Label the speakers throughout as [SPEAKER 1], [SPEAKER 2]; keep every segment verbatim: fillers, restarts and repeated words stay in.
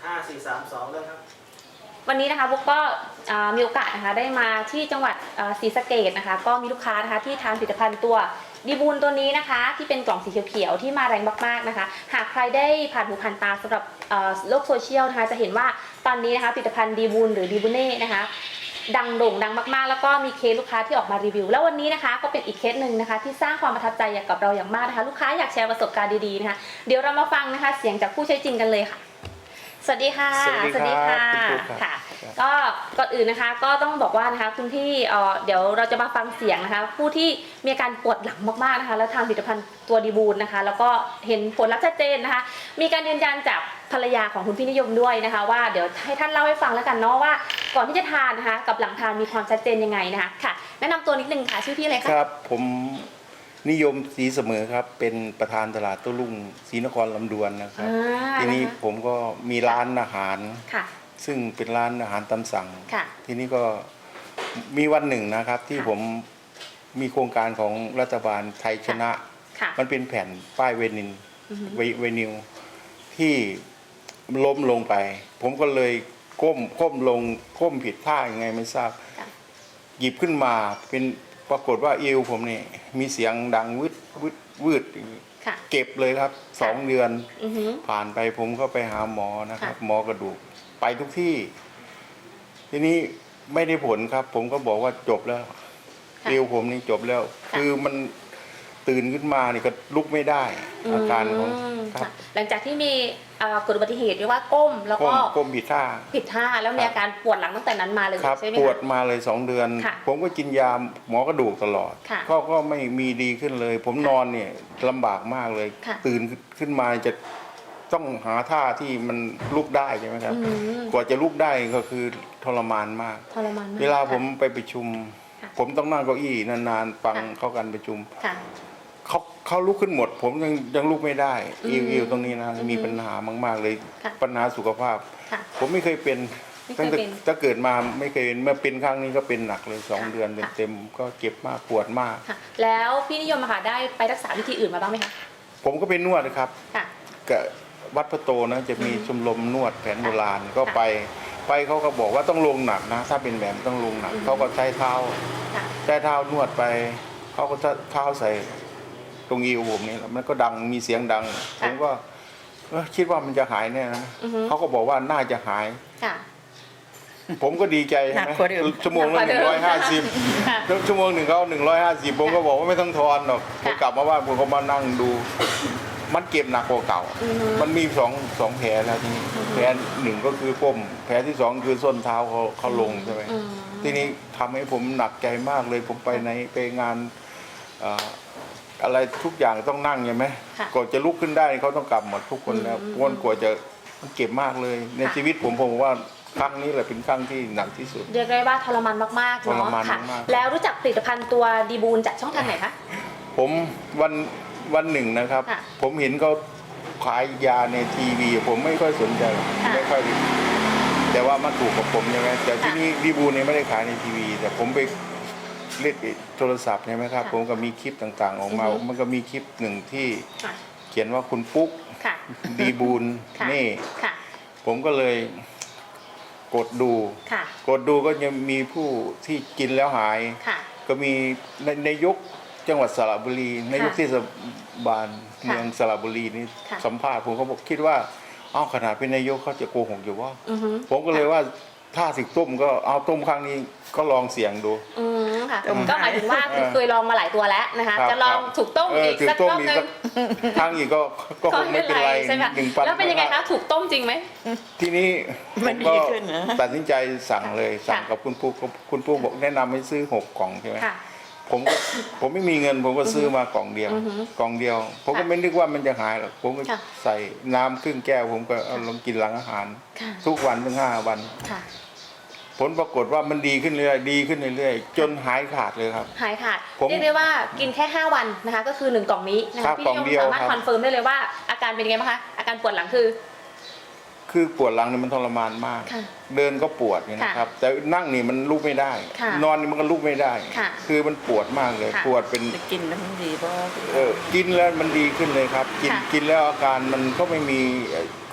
[SPEAKER 1] ห้า สี่ สาม สองเริ่มครับ
[SPEAKER 2] วันนี้นะคะบุ๊กก็มีโอกาสนะคะได้มาที่จังหวัดศรีสะเกษนะคะก็มีลูกค้านะคะที่ทานผลิตภัณฑ์ตัวดีบูลตัวนี้นะคะที่เป็นกล่องสีเขียวๆที่มาแรงมากๆนะคะหากใครได้ผ่านหูผ่านตาสำหรับโลกโซเชียลนะคะจะเห็นว่าตอนนี้นะคะผลิตภัณฑ์ดีบูลหรือดีบูเน่นะคะดังโด่งดังมากๆแล้วก็มีเคสลูกค้าที่ออกมารีวิวแล้ววันนี้นะคะก็เป็นอีกเคสหนึ่งนะคะที่สร้างความประทับใจกับเราอย่างมากนะคะลูกค้าอยากแชร์ประสบการณ์ดีๆนะคะเดี๋ยวเรามาฟังนะคะเสียงจากผู้ใช้จริงกันเลยค่ะสวัสดีค่ะ
[SPEAKER 3] สวัสดีค่ะ
[SPEAKER 2] ค่ะก็ก่อนอื่นนะคะก็ต้องบอกว่านะคะคุณพี่เดี๋ยวเราจะมาฟังเสียงนะคะผู้ที่มีอาการปวดหลังมากๆนะคะแล้วทานผลิตภัณฑ์ตัวดีบูลนะคะแล้วก็เห็นผลลัพธ์ชัดเจนนะคะมีการยืนยันจากภรรยาของคุณพี่นิยมด้วยนะคะว่าเดี๋ยวให้ท่านเล่าให้ฟังแล้วกันเนาะว่าก่อนที่จะทานนะคะกับหลังทานมีความชัดเจนยังไงนะคะค่ะแนะนำตัวนิดนึงค่ะชื่อพี่อะไรคะ
[SPEAKER 3] ครับผมนิยมศรีเสมอครับเป็นประธานตลาดโต้รุ่งศรีนครลำดวนนะครับทีนี้ผมก็มีร้านอาหารซึ่งเป็นร้านอาหารตามสั่งทีนี้ก็มีวันหนึ่งนะครับที่ผมมีโครงการของรัฐบาลไทยชนะมันเป็นแผ่นป้ายเวนินเวนิวที่ล้มลงไปผมก็เลยก้มก้มลงก้มผิดท่ายังไงไม่ทราบหยิบขึ้นมาเป็นปรากฏว่าเอวผมเนี่ยมีเสียงดังวืดวืดวืดเก็บเลยครับสองเดือนผ่านไปผมก็ไปหาหมอนะครับหมอกระดูกไปทุกที่ทีนี้ไม่ได้ผลครับผมก็บอกว่าจบแล้วเอวผมนี่จบแล้วคือมันตื่นขึ้นมานี่ก็ลุกไม่ได้อาการของ
[SPEAKER 2] หลังจากที่มีเกิดอุบัติเหตุเรียกว่าก้มแล้วก็
[SPEAKER 3] ก้มผิดท่า
[SPEAKER 2] ผิดท่าแล้วมีอาการปวดหลังตั้งแต่นั้นมาเลยใช่ไหมคะ
[SPEAKER 3] ปวดมาเลยสองเดือนผมก็กินยาหมอกระดูกตลอดก็ก็ไม่มีดีขึ้นเลยผมนอนเนี่ยลำบากมากเลยตื่นขึ้นมาจะต้องหาท่าที่มันลุกได้ใช่ไหมครับกว่าจะลุกได้ก็คือทรมานมาก
[SPEAKER 2] ทรมานมาก
[SPEAKER 3] เวลาผมไปประชุมผมต้องนั่งเก้าอี้นานๆฟังเข้ากันประชุมเขาเขาลุกขึ้นหมดผมยังยังลุกไม่ได้อิวอิวตรงนี้นะมีปัญหามากๆเลยปัญหาสุขภาพผมไม่เคยเป็นตั้งแต่ถ้าเกิดมาไม่เคยเป็นเมื่อเป็นครั้งนี้ก็เป็นหนักเลยสองเดือนเต็มๆก็เจ็บมากปวดมาก
[SPEAKER 2] แล้วพี่นิยมค่ะได้ไปรักษาวิธีอื่นมาบ้างไหมคะ
[SPEAKER 3] ผมก็เป็นนวดนะครับกับวัดพระโตนะจะมีชมรมนวดแผนโบราณก็ไปไปเขาก็บอกว่าต้องลงหนักนะถ้าเป็นแบบต้องลงหนักเขาก็ใช้เท้าใช้เท้านวดไปเขาก็จะเท้าใส่ตรงอีวผมนี่มันก็ดังมีเสียงดังผมก็คิดว่ามันจะหายแน่นะเขาก็บอกว่าน่าจะหายผมก็ดีใจใช่ไหมชั่วโมงละหนึ่งร้อยห้าสิบชั่วโมงหนึ่งเขาหนึ่งร้อยห้าสิบผมก็บอกว่าไม่ต้องทอนหรอกผมกลับมาบ้านผมก็มานั่งดูมันเก็บหนักกว่าเก่ามันมีสองสองแผลแล้วทีนี้แผลหนึ่งก็คือก้มแผลที่สองคือส้นเท้าเขาเขาลงใช่ไหมทีนี้ทำให้ผมหนักใจมากเลยผมไปในไปงานอะไรทุกอย่างต้องนั่งใช่ไหมก่อนจะลุกขึ้นได้เขาต้องกลับหมดทุกคนแล้ววนกว่าจะมันเก็บมากเลยในชีวิตผมผมว่าครั้งนี้แหละเป็นครั้งที่หนักที่สุด
[SPEAKER 2] เรียกได้ว่าทรมานมากๆเนาะค่ะแล้วรู้จักผลิตภัณฑ์ตัวดีบูลจากช่องทางไหนคะ
[SPEAKER 3] ผมวันวันหนึ่งนะครับผมเห็นเขาขายยาในทีวีผมไม่ค่อยสนใจไม่ค่อยแต่ว่ามันถูกกับผมใช่ไหมแต่ที่นี่ดีบูลเนี่ยไม่ได้ขายในทีวีแต่ผมไปเล่นโทรศัพท์ใช่ไหมครับผมก็มีคลิปต่างๆออกมามันก็มีคลิปหนึ่งที่เขียนว่าคุณปุ๊กดีบูลนี่ผมก็เลยกดดูกดดูก็ยังมีผู้ที่กินแล้วหายก็มีในยุคจังหวัดสระบุรีในยุคเทศบาลเมืองสระบุรีนี่สัมภาษณ์ผมเขาบอกคิดว่าอ้าวขนาดเป็นนายกเขาจะโกหกอยู่ว่าผมก็เลยว่าถ้าสิต้มก็เอาต้มครั้งนี้ก็ลองเสี่ยงดู
[SPEAKER 2] อืมค่ะก็หมายถึงว่าเคยลองมาหลายตัวแล้วนะคะจะลองถูกต้มอีกสักรอบนึง
[SPEAKER 3] ครั้งอีกก็ก็คงไม่เป็นไรหนึ่งปัน
[SPEAKER 2] แล้วเป็นยังไงคะถูกต้มจริงไหม
[SPEAKER 3] ทีนี้ผมก็ตัดสินใจสั่งเลยสั่งกับคุณปู่คุณปู่บอกแนะนำให้ซื้อหกกล่องใช่ไหมผมผมไม่มีเงินผมก็ซื้อมากล่องเดียวกล่องเดียวผมก็ไม่นึกว่ามันจะหายหรอกผมก็ใส่น้ำครึ่งแก้วผมก็เอาลงกินหลังอาหารทุกวันถึงห้าวันผลปรากฏว่ามันดีขึ้นเรื่อยดีขึ้นเรื่อยจนหายขาดเลยครับ
[SPEAKER 2] หายขาดเรียกได้ว่ากินแค่ห้าวันนะคะก็คือหนึ่งกล่องนี้นะคะพี่นิยมสามารถคอนเฟิร์มได้เลยว่าอาการเป็นยังไงบ้างคะอาการปวดหลังคือ
[SPEAKER 3] คือปวดหลังนี่มันทรมานมากเดินก็ปวดนี่นะครับแต่นั่งนี่มันลุกไม่ได้นอนนี่มันก็ลุกไม่ได้คือมันปวดมากเลยปวดเป็น
[SPEAKER 4] กินแล้วมันดีเพราะ
[SPEAKER 3] เออกินแล้วมันดีขึ้นเลยครับกินกินแล้วอาการมันก็ไม่มี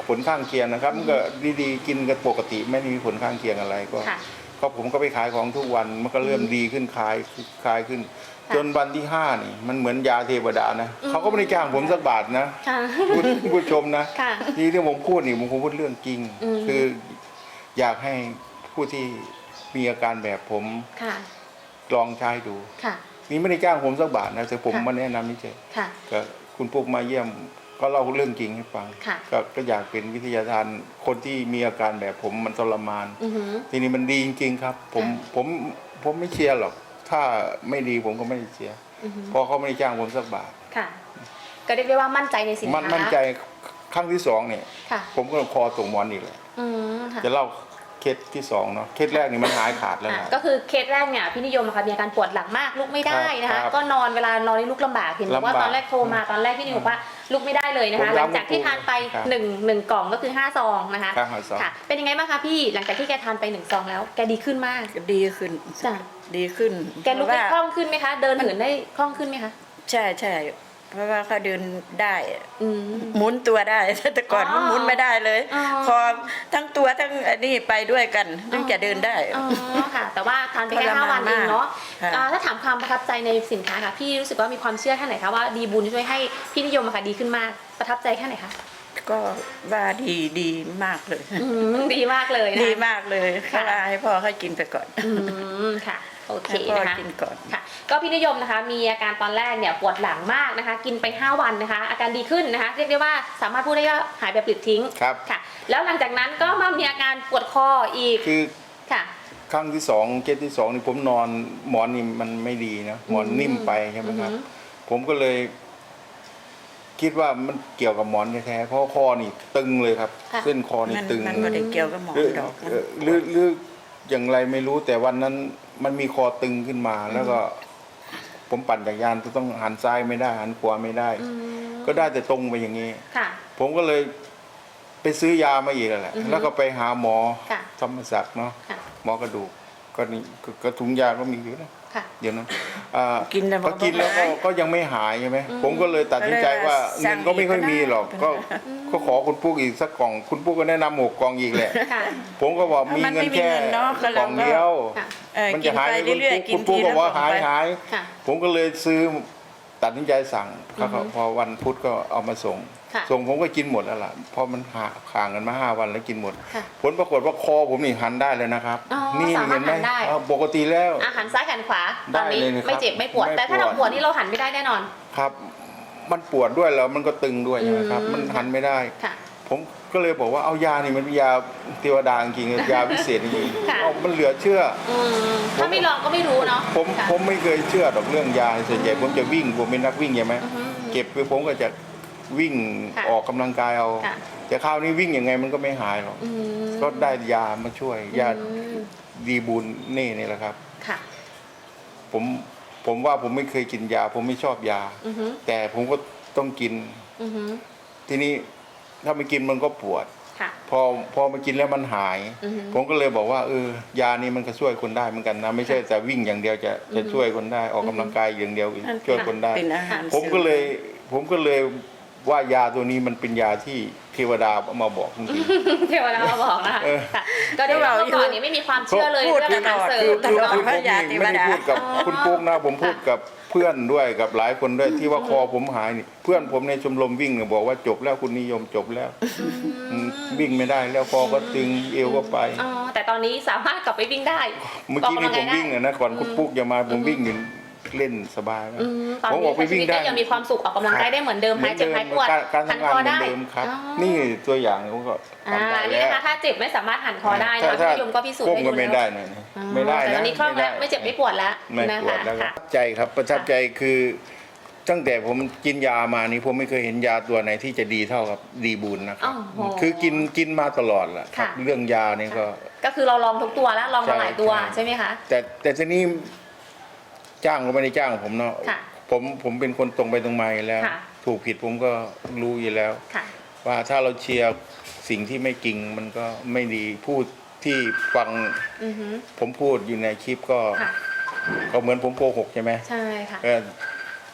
[SPEAKER 3] ผลข้างเคียงนะครับมันก็ดีๆกินกันปกติไม่ได้มีผลข้างเคียงอะไรก็
[SPEAKER 2] ค่ะ
[SPEAKER 3] ก็ผมก็ไปขายของทุกวันมันก็เริ่มดีขึ้นคลายคลายขึ้น
[SPEAKER 2] ค่ะ
[SPEAKER 3] จนวันที่ห้านี่มันเหมือนยาเทวดานะ
[SPEAKER 2] อืม
[SPEAKER 3] เขาก็ไม่ได้จ้างผมสักบาทนะ
[SPEAKER 2] ค่ะ
[SPEAKER 3] ผู้ผู้ชมนะ
[SPEAKER 2] ค่ะ
[SPEAKER 3] ที่ที่ผมพูดนี่ผมคงพูดเรื่องจริง
[SPEAKER 2] อืม
[SPEAKER 3] คืออยากให้ผู้ที่มีอาการแบบผม
[SPEAKER 2] ค่ะ
[SPEAKER 3] ลองใช้ดู
[SPEAKER 2] ค่ะ
[SPEAKER 3] นี่ไม่ได้จ้างผมสักบาทนะแต่ผม
[SPEAKER 2] ค่ะ
[SPEAKER 3] มาแนะนำนี่เฉย
[SPEAKER 2] ค่ะ
[SPEAKER 3] ก็คุณปุ๊กมาเยี่ยมก็เล่าเรื่องจริงให้ฟัง
[SPEAKER 2] ค่ะ
[SPEAKER 3] ก็ก็อยากเป็นวิทยาทานคนที่มีอาการแบบผมมันทรมาน
[SPEAKER 2] อือหือ
[SPEAKER 3] ทีนี้มันดีจริงๆครับ ผม
[SPEAKER 2] ค่ะ
[SPEAKER 3] ผมผมไม่เชียร์หรอก ถ้าไม่ดีผมก็ไม่ได้เชียร์
[SPEAKER 2] อือหือ
[SPEAKER 3] เพราะเขาไม่ได้จ้างผมสักบาท
[SPEAKER 2] ค่ะ ก็เรียกได้ว่ามั่นใจในสิน
[SPEAKER 3] มัน
[SPEAKER 2] ค้า
[SPEAKER 3] มั่นใจครั้งที่สองเนี่ย
[SPEAKER 2] ค่ะ
[SPEAKER 3] ผมก็คอตกหมอนอีกเลย
[SPEAKER 2] อืมค่ะ
[SPEAKER 3] จะเล่าเคสที่สองเนาะเคสแรกนี่มันหายขาดแล้ว
[SPEAKER 2] อ่ะ
[SPEAKER 3] นะ
[SPEAKER 2] ก็คือเคสแรกเนี่ยพี่นิยมอะค่ะมีอาการปวดหลังมากลุกไม่ได้นะ
[SPEAKER 3] ครั
[SPEAKER 2] คะ
[SPEAKER 3] บ
[SPEAKER 2] ก็นอนเวลานอนนี่ลุกลำบากเห็นบอกว่า
[SPEAKER 3] ลำบาก
[SPEAKER 2] ตอนแรกโทรมาตอนแรกพี่นิยมบอกว่าลุกไม่ได้เลยนะคะ
[SPEAKER 3] ผม
[SPEAKER 2] ห
[SPEAKER 3] ย้ำ
[SPEAKER 2] ลังจากที่ทานไป
[SPEAKER 3] ครับ
[SPEAKER 2] หนึ่งหนึ่งกล่องก็คือห้าซองนะคะ
[SPEAKER 3] ครับห้าซอง
[SPEAKER 2] ค่ะ เป็นยังไงบ้างคะพี่หลังจากที่แกทานไปหนึ่งซองแล้วแกดีขึ้นมาก
[SPEAKER 1] ก็ดีขึ้น
[SPEAKER 2] จ้ะ
[SPEAKER 1] ดีขึ้น
[SPEAKER 2] แกลุกได้
[SPEAKER 1] เพ
[SPEAKER 2] คล่
[SPEAKER 1] ราะ
[SPEAKER 2] องขึ้นไหมคะ เดินเหินได้คล่องขึ้นไหมคะ
[SPEAKER 1] ใช่ใช่เพราะว่าเขาเดินได้
[SPEAKER 2] อืม
[SPEAKER 1] หมุนตัวได้ แต่ก่อน
[SPEAKER 2] อ๋อ
[SPEAKER 1] มันหมุนไม่ได้เลย
[SPEAKER 2] อ๋อ
[SPEAKER 1] คอทั้งตัวทั้งอันนี้ไปด้วยกันถึงจะเดินได้
[SPEAKER 2] อ๋อค่ะ แต่ว่าทานไปแค่
[SPEAKER 1] ทร
[SPEAKER 2] ห้าม
[SPEAKER 1] าน
[SPEAKER 2] วันเองเนาะ
[SPEAKER 1] มากค่ะ
[SPEAKER 2] อ่าถ้าถามความประทับใจในสินค้าค่ะพี่รู้สึกว่ามีความเชื่อแค่ไหนคะว่าดีบุญช่วยให้พี่นิยมอะค่ะดีขึ้นมากประทับใจแค่ไหนคะ
[SPEAKER 1] ก็ว่าดีดีมากเลย
[SPEAKER 2] อืมดีมากเลยนะ
[SPEAKER 1] ดีมากเลย
[SPEAKER 2] ค่ะ
[SPEAKER 1] เขาว่าให้พ่อเขากินไปก่อน
[SPEAKER 2] อืมค่ะโอเค
[SPEAKER 1] ให้พ่อ
[SPEAKER 2] นะคะ
[SPEAKER 1] กินก่อน
[SPEAKER 2] ค่ะ ก็พี่นิยมนะคะมีอาการตอนแรกเนี่ยปวดหลังมากนะคะ กินไปห้าวันนะคะ อาการดีขึ้นนะคะ เรียกได้ว่าสามารถพูดได้ว่าหายแบบปลิดทิ้ง
[SPEAKER 3] ครับ
[SPEAKER 2] ค่ะ แล้วหลังจากนั้นก็มามีอาการปวดคออีก
[SPEAKER 3] คือ
[SPEAKER 2] ค่ะ
[SPEAKER 3] ครั้งที่สองเคสที่สองนี่ผมนอนหมอนนี่มันไม่ดีนะหมอนนิ่มไปใช่ไหมครับ
[SPEAKER 2] อือหือ
[SPEAKER 3] ผมก็เลย คิดว่ามันเกี่ยวกับหมอนแท้ๆเพราะคอนี่ตึงเลยครับ
[SPEAKER 2] ค่ะ
[SPEAKER 3] เส้นคอนี่
[SPEAKER 1] มัน
[SPEAKER 3] ตึง
[SPEAKER 1] มันไม่ได้เกี่ยวกับหมอ
[SPEAKER 3] หรือ
[SPEAKER 1] ดอก
[SPEAKER 3] เอ่อหรือหรืออย่างไรไม่รู้แต่วันนั้นมันมีคอตึงขึ้นมา แล้วก็ ผมปั่นจักรยานก็ต้องหันซ้ายไม่ได้หันขวาไม่ได้
[SPEAKER 2] อืม
[SPEAKER 3] ก็ได้แต่ตรงไปอย่างนี้
[SPEAKER 2] ค่ะ
[SPEAKER 3] ผมก็เลยไปซื้อยามาอีกแล้วแหละ
[SPEAKER 2] อือฮึ
[SPEAKER 3] แล้วก็ไปหาหมอ
[SPEAKER 2] ค่ะ
[SPEAKER 3] ธรรมศักดิ์เนาะ
[SPEAKER 2] ค่ะ
[SPEAKER 3] หมอกระดูกก็นี่ก็ก็ถุงยาก็มีอยู่นะ
[SPEAKER 2] ค่ะ
[SPEAKER 3] เดี๋ยวนะอ่า
[SPEAKER 1] กินแล้ว
[SPEAKER 3] พอกินแล้วก็ก็ยังไม่หายใช่ไหมผมก็เลยตัดสินใจว่า
[SPEAKER 1] ก็เลย
[SPEAKER 3] เงินก็ไม่ค่อยมีหรอก
[SPEAKER 1] สั่ง
[SPEAKER 3] ก็
[SPEAKER 1] อีกก็ได้
[SPEAKER 3] ก็ขอคุณปุ๊กอีกสักกล่อง คุณปุ๊กก็แนะนำหกกล่องอีกแหละ
[SPEAKER 2] ค่ะ
[SPEAKER 3] ผมก็บอกมี
[SPEAKER 1] มัน
[SPEAKER 3] เงิ
[SPEAKER 1] ไม่
[SPEAKER 3] น
[SPEAKER 1] มี
[SPEAKER 3] แค่
[SPEAKER 1] เงินเนาะก็
[SPEAKER 3] ก
[SPEAKER 1] เรา
[SPEAKER 3] ล่อง
[SPEAKER 1] ก็
[SPEAKER 3] เดียว
[SPEAKER 2] ค่ะ
[SPEAKER 1] เออ
[SPEAKER 3] มัน
[SPEAKER 1] กิ
[SPEAKER 3] จะ
[SPEAKER 1] น
[SPEAKER 3] หาย
[SPEAKER 1] ไป
[SPEAKER 3] คุณ
[SPEAKER 1] เรื่อย
[SPEAKER 3] ปุ๊ก
[SPEAKER 1] ๆกิ
[SPEAKER 3] คุ
[SPEAKER 1] น
[SPEAKER 3] ณปุ๊
[SPEAKER 1] ที
[SPEAKER 3] กก็
[SPEAKER 1] ละ
[SPEAKER 3] บอกว่า
[SPEAKER 1] สอง
[SPEAKER 3] หาย
[SPEAKER 1] ไป
[SPEAKER 3] หาย
[SPEAKER 2] ค่ะ
[SPEAKER 3] ผมก็เลยซื้อตัดสินใจสั่ง
[SPEAKER 2] อือฮึ
[SPEAKER 3] เขาก็พอวันพุธก็เอามาส่ง
[SPEAKER 2] ค่ะ
[SPEAKER 3] ส่งผมก็กินหมดแล้วล่ะเพราะมันห่าห่างกันมาห้าวันแล้วกินหมด
[SPEAKER 2] ค่ะ
[SPEAKER 3] ผลปรากฏว่าคอผมนี่หันได้เลยนะครับ
[SPEAKER 2] อ๋อ
[SPEAKER 3] นี่
[SPEAKER 2] สามารถ
[SPEAKER 3] เห็นไหม
[SPEAKER 2] หันได้
[SPEAKER 3] อ่าปกติแล้ว
[SPEAKER 2] อาหารซ้ายหันขวาตอนนี้
[SPEAKER 3] ได้เลยนะครับ
[SPEAKER 2] ไม่เจ็บไม่ปวด
[SPEAKER 3] ไม่
[SPEAKER 2] แต่ถ้าเรา
[SPEAKER 3] ปวด
[SPEAKER 2] ปวดนี่เราหันไม่ได้แน่นอน
[SPEAKER 3] ครับ มันปวดด้วยแล้วมันก็ตึงด้วยใช่ไหมครับ
[SPEAKER 2] อืม
[SPEAKER 3] มันหันไม่ได้
[SPEAKER 2] ค่ะ
[SPEAKER 3] ผมก็เลยบอกว่าเอายานี่มันเป็นยาเทวดาจริงๆยาพิเศษจริง
[SPEAKER 2] ค่ะ
[SPEAKER 3] ๆเอามันเหลือเชื่อ
[SPEAKER 2] อืมถ้าไม่ลองก็ไม่รู้เนาะ
[SPEAKER 3] ผม
[SPEAKER 2] ค่ะ
[SPEAKER 3] ผมไม่เคยเชื่อดอกเรื่องยาส่วนใหญ่ผมจะวิ่งผมเป็นนักวิ่งใช่ไหม
[SPEAKER 2] อือฮึ
[SPEAKER 3] เก็บไปผมก็จะวิ่ง
[SPEAKER 2] ค่ะ
[SPEAKER 3] ออกกำลังกายเอา
[SPEAKER 2] ค่ะ
[SPEAKER 3] แต่คราวนี้วิ่งยังไงมันก็ไม่หายหรอก
[SPEAKER 2] อืม
[SPEAKER 3] ก็ได้ยามาช่วยยา
[SPEAKER 2] อืม
[SPEAKER 3] ดีบุญเน่นี่แหละครับ
[SPEAKER 2] ค่ะ
[SPEAKER 3] ผมผมว่าผมไม่เคยกินยา ผมไม่ชอบยา
[SPEAKER 2] อือฮึ
[SPEAKER 3] แต่ผมก็ต้องกิน
[SPEAKER 2] อือฮึ
[SPEAKER 3] ทีนี้ถ้าไม่กินมันก็ปวด
[SPEAKER 2] ค่ะ
[SPEAKER 3] พอพอมากินแล้วมันหาย
[SPEAKER 2] อือฮึ
[SPEAKER 3] ผมก็เลยบอกว่าเออยานี้มันก็ช่วยคนได้เหมือนกันนะไม่ใช่แต่วิ่งอย่างเดียวจะจะช่วยคนได้ออกกำลังกายอย่างเดียวช่วยคนได้
[SPEAKER 1] เป็นอาหาร
[SPEAKER 3] ผมก็เลยผมก็เลยว่ายาตัวนี้มันเป็นยาที่เทวดาเอามาบอกจริง
[SPEAKER 2] เทวดามาบอกนะคะ
[SPEAKER 3] เออ
[SPEAKER 2] ค่ะก็ได้ว่าเมื่อก่อนนี้ไม่มีความเชื่อเลย
[SPEAKER 1] พูด
[SPEAKER 2] เรื่องอาหารเสริ
[SPEAKER 3] คือ
[SPEAKER 2] ม
[SPEAKER 1] ต
[SPEAKER 3] คือ
[SPEAKER 1] ลอด
[SPEAKER 3] คือ
[SPEAKER 1] พ
[SPEAKER 3] ผ
[SPEAKER 1] ระ
[SPEAKER 3] ม
[SPEAKER 1] ยา
[SPEAKER 3] นี่
[SPEAKER 1] เทว
[SPEAKER 3] ไม่ได้
[SPEAKER 1] ดา
[SPEAKER 3] พูดกับ
[SPEAKER 2] อ๋อ
[SPEAKER 3] คุณปุ๊กนะผมพูดกับเพื่อนด้วยกับหลายคนด้วยที่ว่าคอผมหายนี่เพื่อนผมในชมรมวิ่งเนี่ยบอกว่าจบแล้วคุณนิยมจบแล้วอืมวิ่งไม่ได้แล้วคอก็ตึงเอวก็ไป
[SPEAKER 2] อ๋อแต่ตอนนี้สามารถกลับไปวิ่งได้
[SPEAKER 3] เมื่อกี้นี่ผมวิ่งอะนะก่อนคุณปุ๊กจะมาผมวิ่งอยู่เล่นสบายนะ
[SPEAKER 2] อืมตอน
[SPEAKER 3] ผม
[SPEAKER 2] นี้
[SPEAKER 3] ออกไป
[SPEAKER 2] ใช้ชี
[SPEAKER 3] วิ่ง
[SPEAKER 2] วิต
[SPEAKER 3] ได้
[SPEAKER 2] ได้ยังมีความสุขออกกำลังกายได้เหมือนเดิมหายเจ็บหายปวด
[SPEAKER 3] การการ
[SPEAKER 2] หัน
[SPEAKER 3] ทำงาน
[SPEAKER 2] คอ
[SPEAKER 3] เหมือน
[SPEAKER 2] ได้
[SPEAKER 3] เดิมครับ
[SPEAKER 2] อ๋อ
[SPEAKER 3] นี่ตัวอย่างผมก็
[SPEAKER 2] อ่า
[SPEAKER 3] ทำได้
[SPEAKER 2] นี่
[SPEAKER 3] แล้ว
[SPEAKER 2] นะคะถ้าเจ็บไม่สามารถหันคอได้
[SPEAKER 3] ถ้า
[SPEAKER 2] นะ
[SPEAKER 3] ถ้า
[SPEAKER 2] พี่ยมก็พิสูจน์
[SPEAKER 3] ก้ม
[SPEAKER 2] ให้
[SPEAKER 3] ก็
[SPEAKER 2] ดู
[SPEAKER 3] ไม่
[SPEAKER 2] แล้ว
[SPEAKER 3] ได้หน่อยนะ
[SPEAKER 2] อ๋อ
[SPEAKER 3] ไม่ได้
[SPEAKER 2] แต่ต
[SPEAKER 3] นะ
[SPEAKER 2] อนนี้คล่องแล้วไม่เจ็บไม่ปวดแล้ว
[SPEAKER 3] ไม่
[SPEAKER 2] นะ
[SPEAKER 3] ปวด
[SPEAKER 2] คะ
[SPEAKER 3] แล้วก็
[SPEAKER 2] ค่ะ
[SPEAKER 3] ประทับใจครับประทับใจคือตั้งแต่ผมกินยามานี่ผมไม่เคยเห็นยาตัวไหนที่จะดีเท่ากับดีบุญนะครั
[SPEAKER 2] อ๋
[SPEAKER 3] บ
[SPEAKER 2] อโห
[SPEAKER 3] คือกินกินมาตลอดแหละครับ
[SPEAKER 2] ค่ะ
[SPEAKER 3] เรื่องยานี่ก็
[SPEAKER 2] ก็คือเราลองทุกตัวแล้วลองมาหลายตัว
[SPEAKER 3] ใช่
[SPEAKER 2] ใช่ไหมคะ
[SPEAKER 3] แต่แต่ทีนี้จ้างก็ไม่ได้จ้างผมเนาะ
[SPEAKER 2] ค่ะ
[SPEAKER 3] ผมผมเป็นคนตรงไปตรงมาอยู่แล้ว
[SPEAKER 2] ค่ะ
[SPEAKER 3] ถูกผิดผมก็รู้อยู่แล้ว
[SPEAKER 2] ค่ะ
[SPEAKER 3] ว่าถ้าเราเชียร์สิ่งที่ไม่จริงมันก็ไม่ดีพูดที่ฟัง
[SPEAKER 2] อือฮึ
[SPEAKER 3] ผมพูดอยู่ในคลิปก็
[SPEAKER 2] ค่ะ
[SPEAKER 3] ก็เหมือนผมโกหกใช่ไหม
[SPEAKER 2] ใช่ค่ะ
[SPEAKER 3] ก็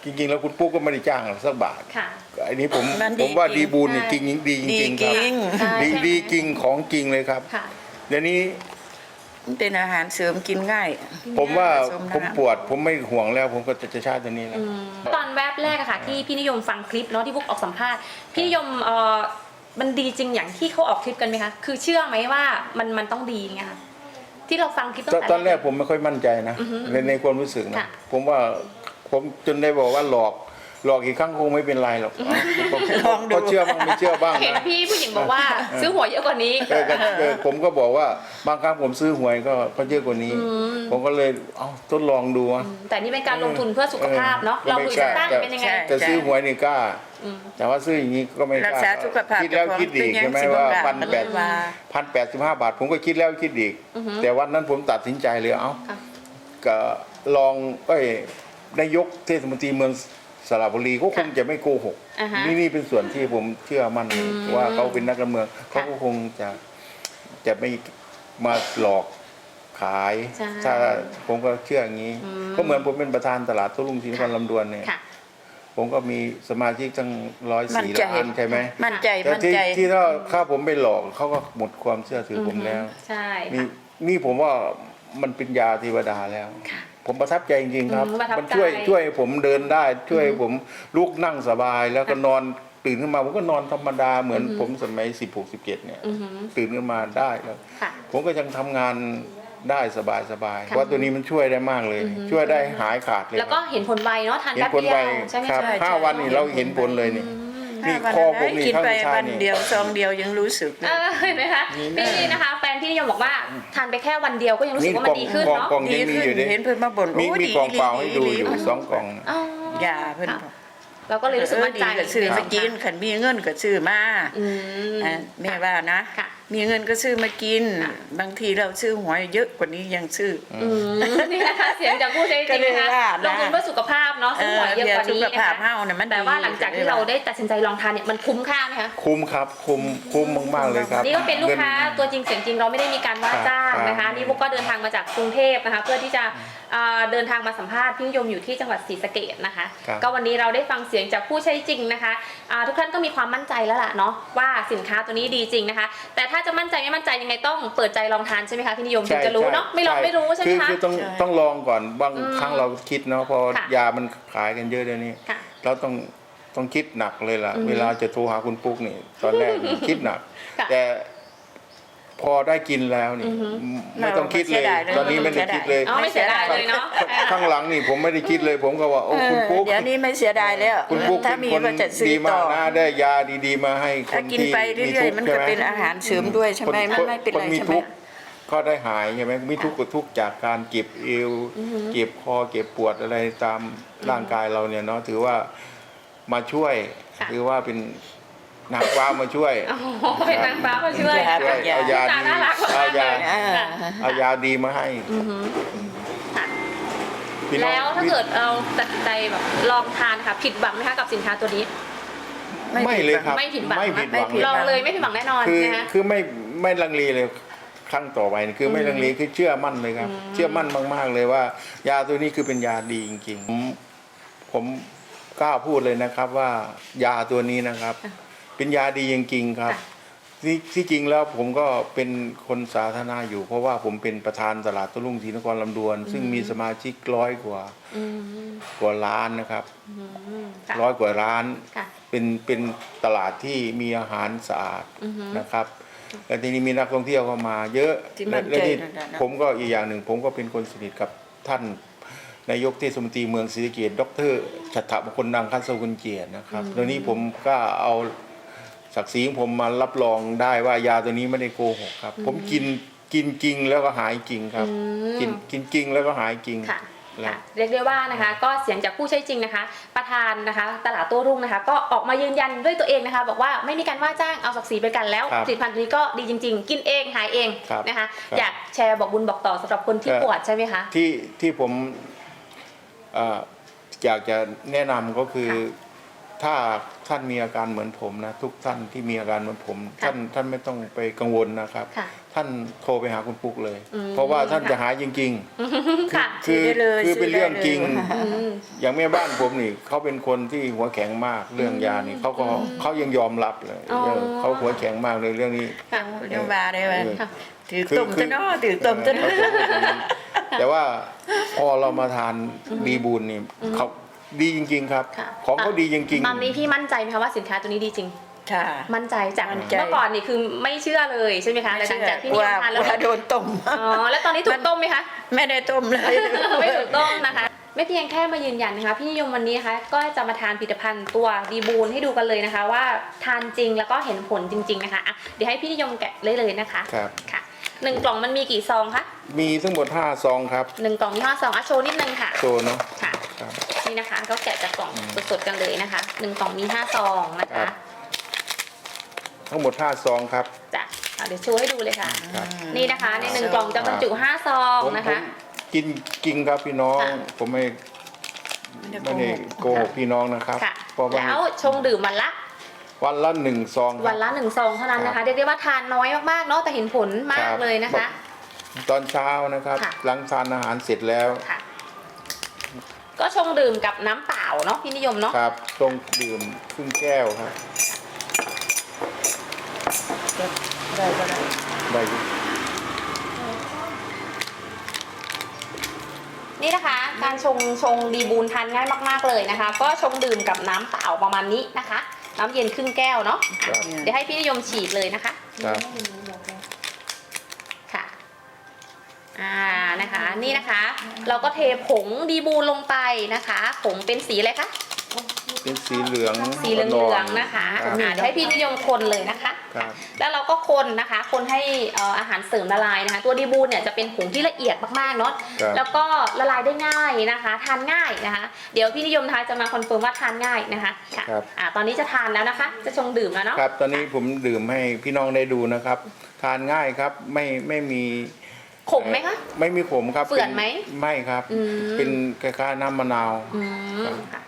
[SPEAKER 3] จริงๆแล้วคุณปุ๊กก็ไม่ได้จ้างเราสักบาท
[SPEAKER 2] ค่ะ
[SPEAKER 3] อันนี้ผม
[SPEAKER 1] มันดี
[SPEAKER 3] ผมว่า
[SPEAKER 1] จริง
[SPEAKER 3] ดีบูลเนี่ยจริงดีจ
[SPEAKER 1] ดี
[SPEAKER 3] ริงๆ
[SPEAKER 1] จ
[SPEAKER 3] ครั
[SPEAKER 1] ริ
[SPEAKER 3] บ
[SPEAKER 1] ง
[SPEAKER 2] ใช่
[SPEAKER 3] ดี
[SPEAKER 2] ใช่
[SPEAKER 3] ดีจริงของจริงเลยครับ
[SPEAKER 2] ค่ะ
[SPEAKER 3] เดี๋ยวนี้
[SPEAKER 1] มันเป็นอาหารเสริมกินง่าย
[SPEAKER 3] ผมว่า
[SPEAKER 1] ผสมน้ำ
[SPEAKER 3] ผมปวด ผมไม่ห่วงแล้ว ผมก็จะจะใช้ตัวนี้แล้ว
[SPEAKER 2] อืมตอนแวบแรกอะค่ะที่พี่นิยมฟังคลิปเนาะที่พวกออกสัมภาษณ์พี่นิยมเออมันดีจริงอย่างที่เขาออกคลิปกันไหมคะคือเชื่อไหมว่ามันมันต้องดีไงคะที่เราฟังคลิปตั้ง
[SPEAKER 3] ตอน
[SPEAKER 2] แต่
[SPEAKER 3] ตอนแรกผมไม่ค่อยมั่นใจนะ
[SPEAKER 2] อือฮึ
[SPEAKER 3] ในในความรู้สึกนะ
[SPEAKER 2] ค่ะ
[SPEAKER 3] ผมว่าผมจนได้บอกว่าหลอกหลอกอีกครั้งคงไม่เป็นไรหรอกก็
[SPEAKER 1] ลองดู
[SPEAKER 3] ก็เชื่อบ้างไม่เชื่อบ้าง
[SPEAKER 2] เห็น
[SPEAKER 3] นะ
[SPEAKER 2] พี่ผู้หญิงบอกว่าซื้อหวยเยอะกว่านี้
[SPEAKER 3] เออก็เออผมก็บอกว่าบางครั้งผมซื้อหวยก็ก็เยอะกว่านี้ ผมก็เลยเอ้าทดลองดูอะ
[SPEAKER 2] แต่นี่เป็นการลงทุนเพื่อสุขภาพเนาะ
[SPEAKER 3] เออ
[SPEAKER 2] เราดูสตั้ง
[SPEAKER 3] แต่
[SPEAKER 2] เป็นยังไง
[SPEAKER 1] ใช่
[SPEAKER 3] แต่ซื้อหวยนี่กล้า
[SPEAKER 2] อืม
[SPEAKER 3] แต่ว่าซื้ออย่างนี้ก็ไม่ก
[SPEAKER 1] รัก
[SPEAKER 3] ล้า
[SPEAKER 1] ษาสุขภาพ
[SPEAKER 3] คิดแล้วคิดอีกใช่ไหมว่าพันแปด
[SPEAKER 1] ว่า
[SPEAKER 3] พันแปดสิบห้าบาท ผมก็คิดแล้วคิดอีก
[SPEAKER 2] อือฮึ
[SPEAKER 3] แต่วันนั้นผมตัดสินใจเลยเอ้า
[SPEAKER 2] ค่ะ
[SPEAKER 3] ก็ลองเอ้ยนายกเทศมนตรีเมืองสระบุรีก็คงจะไม่โกหก
[SPEAKER 2] อ่าฮะ
[SPEAKER 3] นี่นี่เป็นส่วนที่ผมเชื่อมั่น
[SPEAKER 2] อืม
[SPEAKER 3] ว่าเขาเป็นนักการเมืองเขาก็คงจะจะไม่มาหลอกขาย
[SPEAKER 2] ใช่
[SPEAKER 3] ถ้าผมก็เชื่ออย่างนี้
[SPEAKER 2] อืม
[SPEAKER 3] ก็เหมือนผมเป็นประธานตลาดโต้รุ่งศรีนครลำดวนเนี่ย
[SPEAKER 2] ค่ะ
[SPEAKER 3] ผมก็มีสมาชิกตั้งร้อย
[SPEAKER 1] มั่น
[SPEAKER 3] สี่
[SPEAKER 1] ใจ
[SPEAKER 3] ล้านใช่ไหม
[SPEAKER 1] มั่นใจ
[SPEAKER 3] แต่
[SPEAKER 1] มั่น
[SPEAKER 3] ที่
[SPEAKER 1] ใจ
[SPEAKER 3] ที่ถ้าถ้าผมไปหลอกเขาก็หมดความเชื่อถือผมแล้ว
[SPEAKER 2] ใช่
[SPEAKER 3] นี่
[SPEAKER 2] ค่ะ
[SPEAKER 3] นี่ผมว่ามันเป็นยาเทวดาแล้ว
[SPEAKER 2] ค่ะ
[SPEAKER 3] ผมประทับใจจริงๆครับ
[SPEAKER 2] อืมประทับ
[SPEAKER 3] มันช่วย
[SPEAKER 2] ใจ
[SPEAKER 3] ช่วยให้ผมเดินได้ ช่วยให้ผมลุกนั่งสบาย แล้วก็นอนตื่นขึ้นมาผมก็นอนธรรมดาเหมือนผมสมัยสิบหกสิบเจ็ดเนี่ย
[SPEAKER 2] อือหือ
[SPEAKER 3] ตื่นขึ้นมาได้แล้ว
[SPEAKER 2] ค่ะ
[SPEAKER 3] ผมก็ยังทำงานได้สบายสบายๆ
[SPEAKER 2] ค่ะ
[SPEAKER 3] ว่าตัวนี้มันช่วยได้มากเลย ช่วยได้หายขาดเลย
[SPEAKER 2] แล้วก็เห็นผลไวเนาะทาน
[SPEAKER 3] เห็น
[SPEAKER 2] แป๊บ
[SPEAKER 3] ผล
[SPEAKER 2] เดีย
[SPEAKER 3] ไว
[SPEAKER 2] วใช่ไหม
[SPEAKER 3] ครับ
[SPEAKER 2] คะ
[SPEAKER 3] ห้าวันนี่เราเห็นผลเลยนี่ นี่
[SPEAKER 1] ถ้า
[SPEAKER 3] คอผม
[SPEAKER 1] วัน
[SPEAKER 3] นี่
[SPEAKER 1] กิน
[SPEAKER 3] ข้าง
[SPEAKER 1] ไป
[SPEAKER 3] ซ้าย
[SPEAKER 1] วัน
[SPEAKER 3] นี่
[SPEAKER 1] เดียวซองเดียวยังรู้สึกเล
[SPEAKER 2] เอย อเห็นไหมคะพี่นะคะแฟนพี่นิยมบอกว่าทานไปแค่วันเดียวก็ยังรู้สึกว่ามันดีขึ้น
[SPEAKER 3] กล่อง
[SPEAKER 2] เนาะ
[SPEAKER 3] กล่อง
[SPEAKER 1] ดี
[SPEAKER 3] ยังมี
[SPEAKER 1] ขึ้น
[SPEAKER 3] อยู่ดิ
[SPEAKER 1] เห็นเพิ่นมาบ่น
[SPEAKER 3] มี
[SPEAKER 1] โอ้
[SPEAKER 3] มี
[SPEAKER 1] ดี
[SPEAKER 3] กล่องเปล่าให้ดู
[SPEAKER 1] ดี
[SPEAKER 3] อยู่
[SPEAKER 1] ดี
[SPEAKER 3] สองกล่อง
[SPEAKER 2] อ๋อย
[SPEAKER 1] าเพิ่น
[SPEAKER 2] ค่ะ
[SPEAKER 1] บอก
[SPEAKER 2] เราก็เลยรู้สึกมั่นใจ
[SPEAKER 1] เออดีก็ซื้อมากิน
[SPEAKER 2] ค่ะ
[SPEAKER 1] ขันมีเงินก็ซื้อมา
[SPEAKER 2] อืม
[SPEAKER 1] อ่ะแม่ว่านะ
[SPEAKER 2] ค่ะ
[SPEAKER 1] มีเงินก็ซื้อมากิน
[SPEAKER 2] ค่ะ
[SPEAKER 1] บางทีเราซื้อหวยเยอะกว่านี้ยังซื้อ
[SPEAKER 2] อืมนี่นะคะเสียงจากผู้ใช้จริงนะคะ
[SPEAKER 1] ก็เลยว่านะ
[SPEAKER 2] ลงทุนเพื่อสุขภาพเนาะซื้อหวยเยอะกว่านี้
[SPEAKER 1] เออเดี๋ยวสุข
[SPEAKER 2] นะ
[SPEAKER 1] ภาพ
[SPEAKER 2] คะ
[SPEAKER 1] เฮาเนี่ยมัน
[SPEAKER 2] แต่ว่า
[SPEAKER 1] ดี
[SPEAKER 2] หลังจากที่เราได้ตัดสินใจลองทานเนี่ยมันคุ้มค่าไหมคะ
[SPEAKER 3] คุ้มครับ คุ้มคุ้มมากๆเลยครับ
[SPEAKER 2] นี่ก็เป็นลูกค้า
[SPEAKER 3] งิน
[SPEAKER 2] ตัวจริงเสียงจริงเราไม่ได้มีการว่าจ้างนะ
[SPEAKER 3] ครั
[SPEAKER 2] คะ
[SPEAKER 3] บ
[SPEAKER 2] นี่พวกก็เดินทางมาจากกรุงเทพนะคะ เพื่อที่จะเอ่อเดินทางมาสัมภาษณ์พี่นิยมอยู่ที่จังหวัดศรีสะเกษนะคะ
[SPEAKER 3] ครับ
[SPEAKER 2] ก็วันนี้เราได้ฟังเสียงจากผู้ใช้จริงนะคะอ่าทุกท่านก็มีความมั่นใจแล้วล่ะเนาะว่าสินค้าตัวนี้ดีจริงนะคะ แต่ถ้าจะมั่นใจไม่มั่นใจยังไงต้องเปิดใจลองทานใช่ไหมคะพี่นิยมถึงจะรู้เนาะไม่ลองไม่รู้ใช่ไหม
[SPEAKER 3] คือ
[SPEAKER 2] คะ
[SPEAKER 3] คือต้อง
[SPEAKER 1] ใช่
[SPEAKER 3] ต้องลองก่อนบาง
[SPEAKER 2] อืม
[SPEAKER 3] ครั้งเราคิดเนาะพอ
[SPEAKER 2] ค่ะ
[SPEAKER 3] ยามันขายกันเยอะเดี๋ยวนี้
[SPEAKER 2] ค่ะ
[SPEAKER 3] เราต้องต้องคิดหนักเลยล่ะ
[SPEAKER 2] อืม
[SPEAKER 3] เวลาจะโทรหาคุณปุ๊กนี่ ตอนแรกนี่คิดหนัก
[SPEAKER 2] ค่ะ
[SPEAKER 3] แต่พอได้กินแล้วนี่
[SPEAKER 2] อือฮึ
[SPEAKER 3] ไม่ต้องคิดเลย
[SPEAKER 1] ไม่เสียดายเลย
[SPEAKER 3] ตอนนี้ไม่ได้คิดเลย
[SPEAKER 2] อ๋อไม่เสียดายเลยเนาะ
[SPEAKER 3] ข้างหลังนี่ผมไม่ได้คิดเลย ผมก็ว่าโอ้คุณปุ๊ก
[SPEAKER 1] เดี๋ยวนี้ไม่เสียดายแล้ว
[SPEAKER 3] คุณปุ๊ก
[SPEAKER 1] ถ้า
[SPEAKER 3] เป็น
[SPEAKER 1] มี
[SPEAKER 3] คน
[SPEAKER 1] ก็จะซื้อ
[SPEAKER 3] ดีมา
[SPEAKER 1] ต่
[SPEAKER 3] ก
[SPEAKER 1] อ
[SPEAKER 3] นะได้ยาดีๆมาให้ค
[SPEAKER 1] ถ้าน กิน
[SPEAKER 3] ที่
[SPEAKER 1] ไปเรื่อยๆมันก็เป็นอาหารเสริมด้วยใช่ไหม
[SPEAKER 3] ค
[SPEAKER 1] มันไม่เป็น
[SPEAKER 3] ค
[SPEAKER 1] ไร
[SPEAKER 3] มี
[SPEAKER 1] ใช่ไหม
[SPEAKER 3] ทุกข์ก็ได้หายใช่ไหมมีทุกข์ก็ทุกข์จากการเก็บเอว
[SPEAKER 2] อือฮึ
[SPEAKER 3] เก็บคอเก็บปวดอะไรตามร่างกายเราเนี่ยเนาะถือว่ามาช่วย
[SPEAKER 2] ค่ะ
[SPEAKER 3] ถือว่าเป็นนางฟ้ามาช่วย
[SPEAKER 2] โอ้โหเป็นนางฟ้ามาช่วย
[SPEAKER 1] ค่ะ
[SPEAKER 3] ช่วยเอายา
[SPEAKER 2] ตา
[SPEAKER 3] ดี
[SPEAKER 2] น่ารักมาก
[SPEAKER 3] เอายา
[SPEAKER 2] เลย
[SPEAKER 1] อ่า
[SPEAKER 2] ค่ะ
[SPEAKER 3] เอายาดีมาให้
[SPEAKER 2] อือหือค่ะ
[SPEAKER 3] พี่น้อง
[SPEAKER 2] แล้วถ้าเกิดเราตัดสินใจแบบลองทานค่ะผิดหวังไหมคะกับสินค้าตัวนี้
[SPEAKER 3] ไม่เลยครับ
[SPEAKER 2] ไม่ผิดหวัง
[SPEAKER 3] ไม่ผิดหวัง
[SPEAKER 1] ไม่ผิด
[SPEAKER 2] ล
[SPEAKER 1] ห
[SPEAKER 2] อง
[SPEAKER 1] วัง
[SPEAKER 2] เลยไม่ผิดหวังแน่นอน
[SPEAKER 3] คือ
[SPEAKER 2] นะคะ
[SPEAKER 3] คือไม่ไม่ลังเลเลยครั้งต่อไปนี่คือไม่ลังเลคือเชื่อมั่นเลยครับ
[SPEAKER 2] อืม
[SPEAKER 3] เชื่อมั่นมากๆเลยว่า ยาตัวนี้คือเป็นยาดีจริงๆผมผมกล้าพูดเลยนะครับว่ายาตัวนี้นะครับ เป็นยาดีจริงๆครับ
[SPEAKER 2] ค่ะ
[SPEAKER 3] ที่ที่จริงแล้วผมก็เป็นคนสาธารณะอยู่ เพราะว่าผมเป็นประธานตลาดโต้รุ่งศรีนครลำดวน ซึ่งมีสมาชิกร้อยกว่า
[SPEAKER 2] อืม
[SPEAKER 3] กว่าล้านนะครับ
[SPEAKER 2] อืมค่ะ
[SPEAKER 3] ร้อยกว่าร้าน
[SPEAKER 2] ค่ะ
[SPEAKER 3] เป็นเป็นตลาดที่มีอาหารสะอาด
[SPEAKER 2] อือฮึ
[SPEAKER 3] นะครับและทีนี้มีนักท่องเที่ยวเข้ามา เยอะ
[SPEAKER 1] ที่มั่นใจ
[SPEAKER 3] และที่
[SPEAKER 1] นั่นน่ะนะ
[SPEAKER 3] ผมก็อีกอย่างหนึ่ง ผมก็เป็นคนสนิทกับท่านนายกเทศมนตรีเมืองศรีสะเกษดรชัตถมงคลดังคันสกุลเกียรตินะครับตรงนี้ผมก็เอาศักดิ์ศรีของผมมารับรองได้ว่ายาตัวนี้ไม่ได้โกหกครับ ผมกินกินจริงแล้วก็หายจริงครับ
[SPEAKER 2] อืม
[SPEAKER 3] กินกินจริงแล้วก็หายจริง
[SPEAKER 2] ค่ะ
[SPEAKER 3] แล้ว
[SPEAKER 2] ค่ะเรียกได้ว่านะคะ ก็เสียงจากผู้ใช้จริงนะคะ ประธานนะคะ ตลาดโต้รุ่งนะคะ ก็ออกมายืนยันด้วยตัวเองนะคะ บอกว่าไม่มีการว่าจ้างเอาศักดิ์ศรีไปกันแล้ว
[SPEAKER 3] ครับ
[SPEAKER 2] ผลิตภัณฑ์ตัวนี้ก็ดีจริง ๆ กินเองหายเอง
[SPEAKER 3] ครับ
[SPEAKER 2] นะคะ
[SPEAKER 3] ครับ
[SPEAKER 2] อยากแชร์บอกบุญบอกต่อสำหรับคนที่
[SPEAKER 3] ครับ
[SPEAKER 2] ปวดใช่ไหมคะ
[SPEAKER 3] ที่ที่ผมเอ่ออยากจะแนะนำก็คือถ้าท่านมีอาการเหมือนผมนะทุกท่านที่มีอาการเหมือนผม ท่านท่านไม่ต้องไปกังวลนะครับ
[SPEAKER 2] ค่ะ
[SPEAKER 3] ท่านโทรไปหาคุณปุ๊กเลย
[SPEAKER 2] อืม
[SPEAKER 3] เพราะว่าท่านจะหายจริง
[SPEAKER 2] ค่ะ
[SPEAKER 3] ๆ คือ
[SPEAKER 1] ซื้อได้เลย
[SPEAKER 3] คือเป็นเรื่องจริง
[SPEAKER 1] ซื้อได้เลย
[SPEAKER 2] อืม
[SPEAKER 3] อย่างแม่บ้านผมนี่เขาเป็นคนที่หัวแข็งมากเรื่องยานี่เขาก็เขายังยอมรับเลย
[SPEAKER 2] อ๋อ
[SPEAKER 3] เขาหัวแข็งมากเลยเรื่องนี้
[SPEAKER 2] ค่ะ
[SPEAKER 1] เรื่องบาได้ไหม
[SPEAKER 2] ค่ะ
[SPEAKER 1] ถือตุ่มจะเนาะถือตุ่มจะ
[SPEAKER 3] เอ
[SPEAKER 1] เนาะ
[SPEAKER 3] อเขาพูดอย่างนั้นแต่ว่าพอเรามาทานดีบูลนี่เขาดีจริง ๆ ครับ
[SPEAKER 2] ค่ะ
[SPEAKER 3] ของเขาดีจริงๆ
[SPEAKER 2] ตอนนี้พี่มั่นใจไหมคะว่าสินค้าตัวนี้ดีจริง
[SPEAKER 1] ค่ะ
[SPEAKER 2] มั่นใจจาก
[SPEAKER 1] มั่นใจ
[SPEAKER 2] เมื่อก่อนนี่คือไม่เชื่อเลยใช่ไหมคะแต่หลังจากที่
[SPEAKER 1] ก
[SPEAKER 2] นิ
[SPEAKER 1] ลั
[SPEAKER 2] ยว มทานแล้ว
[SPEAKER 1] กลัวโดนต้ม
[SPEAKER 2] อ๋อแล้วตอนนี้ถูกต้มไหมคะ
[SPEAKER 1] ไม่ได้ต้มเลย
[SPEAKER 2] ไม่ถูกต้องนะคะ ไม่เพียงแค่มายืนยันนะคะพี่นิยมวันนี้นะคะก็จะมาทานผลิตภัณฑ์ตัวดีบูนให้ดูกันเลยนะคะ ว่าทานจริงแล้วก็เห็นผลจริง ๆนะคะอ่ะเดี๋ยวให้พี่นิยมแกะเลยเลยนะคะ
[SPEAKER 3] ครับ
[SPEAKER 2] ค่ะหนึ่งกล่องมันมีกี่ซองคะ
[SPEAKER 3] มีทั้งหมดห้าซองครับ
[SPEAKER 2] หนึ่งกล่องมีห้าซองอ่ะโชว์นิดนึงค่ะ
[SPEAKER 3] โซเนาะ
[SPEAKER 2] ค่ะ
[SPEAKER 3] ครับ
[SPEAKER 2] นี่นะคะก็แกะจากกล่องสดๆกันเลยนะคะหนึ่งกล่องมีห้าซองนะ
[SPEAKER 3] ครั
[SPEAKER 2] คะ
[SPEAKER 3] บ ทั้งหมดห้าซองครับ
[SPEAKER 2] จ้ะเอาเดี๋ยวโชว์ให้ดูเลยค่ะ
[SPEAKER 3] ครับ
[SPEAKER 2] นี่นะคะในหนึ่งกล่องจะบรรจุห้าซอง
[SPEAKER 3] ผม
[SPEAKER 2] นะ
[SPEAKER 3] ผ
[SPEAKER 2] คะ
[SPEAKER 3] มกินจริงครับพี่น้อง
[SPEAKER 2] ค่ะ
[SPEAKER 3] ผมไม่ไม่ได้โกหกพี่น้องนะครับ
[SPEAKER 2] ค่ะ
[SPEAKER 3] เพราะว่า
[SPEAKER 2] แล้วชงดื่มวันละ
[SPEAKER 3] วันละหนึ่งซองครับ
[SPEAKER 2] วันละหนึ่งซองเท่านั้นนะ
[SPEAKER 3] ครั
[SPEAKER 2] คะ
[SPEAKER 3] บ
[SPEAKER 2] เรียกได้ว่าทานน้อยมากๆเนาะแต่เห็นผลมา
[SPEAKER 3] ค
[SPEAKER 2] ก
[SPEAKER 3] รับ
[SPEAKER 2] เลยนะคะ
[SPEAKER 3] ตอนเช้านะครับ
[SPEAKER 2] ค่ะ
[SPEAKER 3] หลังทานอาหารเสร็จแล้ว
[SPEAKER 2] ค่ะ ก็ชงดื่มกับน้ำเปล่าเนาะพี่นิยมเนาะ
[SPEAKER 3] ครับต้องดื่มครึ่งแก้วครับ
[SPEAKER 1] ได้ก็ได้
[SPEAKER 3] ได้อยู่
[SPEAKER 2] นี่นะคะ การชงชงดีบูนทานง่ายมากๆเลยนะคะ ก็ชงดื่มกับน้ำเปล่าประมาณนี้นะคะ น้ำเย็นครึ่งแก้วเนาะ
[SPEAKER 3] ครับ
[SPEAKER 2] เดี๋ยวให้พี่นิยมฉีดเลยนะคะ
[SPEAKER 3] ครับ
[SPEAKER 2] ค่ะ อ่า นะคะ นี่นะคะ เราก็เทผงดีบูนลงไปนะคะ ผงเป็นสีอะไรคะ
[SPEAKER 3] เป็นสีเหลือง
[SPEAKER 2] สีเหลืองๆนะคะ
[SPEAKER 3] ครับ
[SPEAKER 2] อ่าเดี๋ยวให้พี่นิยมคนเลยนะคะ
[SPEAKER 3] ครับ
[SPEAKER 2] แล้วเราก็คนนะคะ คนให้เอ่ออาหารเสริมละลายนะคะ ตัวดีบูนเนี่ยจะเป็นผงที่ละเอียดมากๆเนาะ
[SPEAKER 3] ครับ
[SPEAKER 2] แล้วก็ละลายได้ง่ายนะคะ ทานง่ายนะคะ เดี๋ยวพี่นิยมทายจะมาคอนเฟิร์มว่าทานง่ายนะคะค่ะ
[SPEAKER 3] ครับ
[SPEAKER 2] อ่าตอนนี้จะทานแล้วนะคะ จะชงดื่มแล้วเนาะ
[SPEAKER 3] ครับ ตอนนี้ผมดื่มให้พี่น้องได้ดูนะครับ ทานง่ายครับ ไม่ไม่มี
[SPEAKER 2] ขมไหมคะ
[SPEAKER 3] ไม่มีขมครับ
[SPEAKER 2] เฝื่อนไหม
[SPEAKER 3] ป็ไม่ครับ
[SPEAKER 2] อืม
[SPEAKER 3] เป็นคล้ายๆน้ำมะนาว
[SPEAKER 2] อืมค่ะ